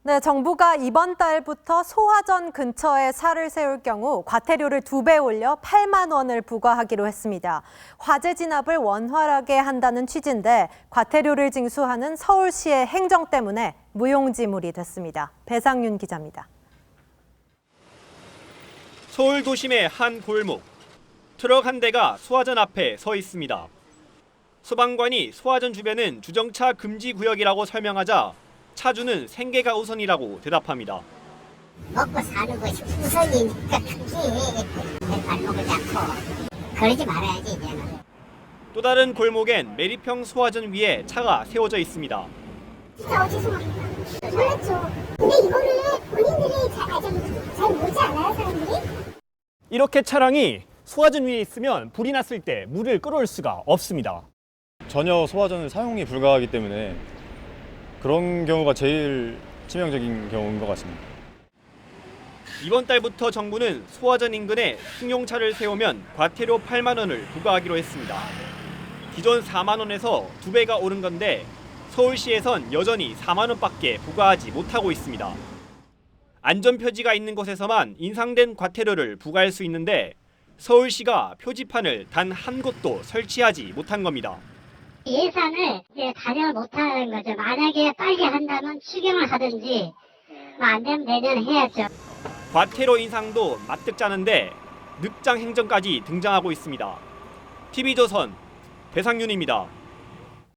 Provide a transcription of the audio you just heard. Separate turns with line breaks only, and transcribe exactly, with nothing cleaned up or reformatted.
네, 정부가 이번 달부터 소화전 근처에 차를 세울 경우 과태료를 두 배 올려 팔만 원을 부과하기로 했습니다. 화재 진압을 원활하게 한다는 취지인데 과태료를 징수하는 서울시의 행정 때문에 무용지물이 됐습니다. 배상윤 기자입니다.
서울 도심의 한 골목. 트럭 한 대가 소화전 앞에 서 있습니다. 소방관이 소화전 주변은 주정차 금지 구역이라고 설명하자 차주는 생계가 우선이라고 대답합니다.
먹고 사는 것이 우선이니까 크게 발목을 잡고 그러지 말아야지 이제는.
또 다른 골목엔 매립형 소화전 위에 차가 세워져 있습니다.
진짜 죄송합니다. 몰랐죠. 근데 이거를 본인들이 잘, 잘, 잘 모르지 않아요, 사람들이?
이렇게 차량이 소화전 위에 있으면 불이 났을 때 물을 끌어올 수가 없습니다.
전혀 소화전을 사용이 불가하기 때문에 그런 경우가 제일 치명적인 경우인 것 같습니다.
이번 달부터 정부는 소화전 인근에 승용차를 세우면 과태료 팔만 원을 부과하기로 했습니다. 기존 사만 원에서 두 배가 오른 건데 서울시에선 여전히 사만 원밖에 부과하지 못하고 있습니다. 안전표지가 있는 곳에서만 인상된 과태료를 부과할 수 있는데 서울시가 표지판을 단 한 곳도 설치하지 못한 겁니다.
예산을 이제 반영을 못하는 거죠. 만약에 빨리 한다면 추경을 하든지 뭐 안 되면 내년에 해야죠.
과태료 인상도 마뜩 짜는데 늑장 행정까지 등장하고 있습니다. 티비조선 배상윤입니다.